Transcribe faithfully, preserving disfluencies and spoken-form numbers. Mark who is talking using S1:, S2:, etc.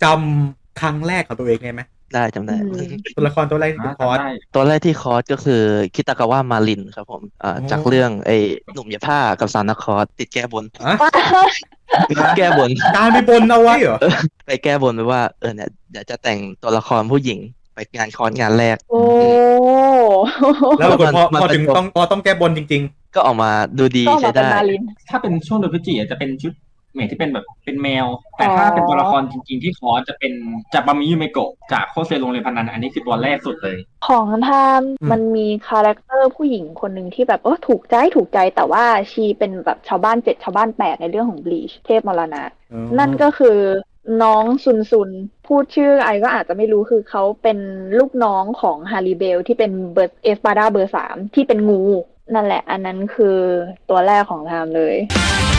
S1: จำครั้งแรกของตัวเองได้ไหม
S2: ได้จำ
S3: อื
S2: ได้
S3: ม
S1: ตัวละครตัวแรกที่
S4: อ่า
S1: เป็นคอร์ส
S4: จำได้
S2: ตัวแรกที่คอร์สก็คือคิตากาวะมารินครับผมอ่า
S1: อ๋อ
S2: จากเรื่องไอ้หนุ่มยาผ้ากับซานาคอร์สติดแก้บน
S1: อะ
S2: แก้บน
S1: การไปบนเอาไว้เหรอ
S2: เออไปแก้บนไปว่าเออเนี่ยเดี๋ยวจะแต่งตัวละครผู้หญิงไปงานคอร์สงานแรก
S3: โอ้
S2: อืม
S1: แล้วปรากฏ
S2: มัน
S1: พอพอ
S2: มันเป็นตัว
S1: ถึงต้องพอต้องแก้บนจริง
S2: ก็ออกมาดูดี
S3: ก็ออกมาเป็น
S2: ใช้ได้
S3: มาลิน
S4: ถ้าเป็นช่วงโดนพฤศจิกาจะเป็นชุดเมทที่เป็นแบบเป็นแมว
S3: อ๋
S4: แต่
S3: อ
S4: ถ้าเป็นตัวละครจริงๆที่คอร์สจะเป็นจากบามิยูเมโกะจากโคเซโรงเรียนพนันอันนี้คือตัวแรกสุดเลย
S3: ของไทม์
S1: ๆอืม
S3: มันมีคาแรคเตอร์ผู้หญิงคนหนึ่งที่แบบเออถูกใจถูกใจแต่ว่าชีเป็นแบบชาวบ้านเจ็ดชาวบ้านแปดในเรื่องของบลีชเทพมรณะ
S1: อ๋อ
S3: นั่นก็คือน้องซุนซุนพูดชื่อไอก็อาจจะไม่รู้คือเขาเป็นลูกน้องของฮาริเบลที่เป็นเบอร์เอสปาดาเบอร์สามที่เป็นงูนั่นแหละอันนั้นคือตัวแรกของไทม์เลย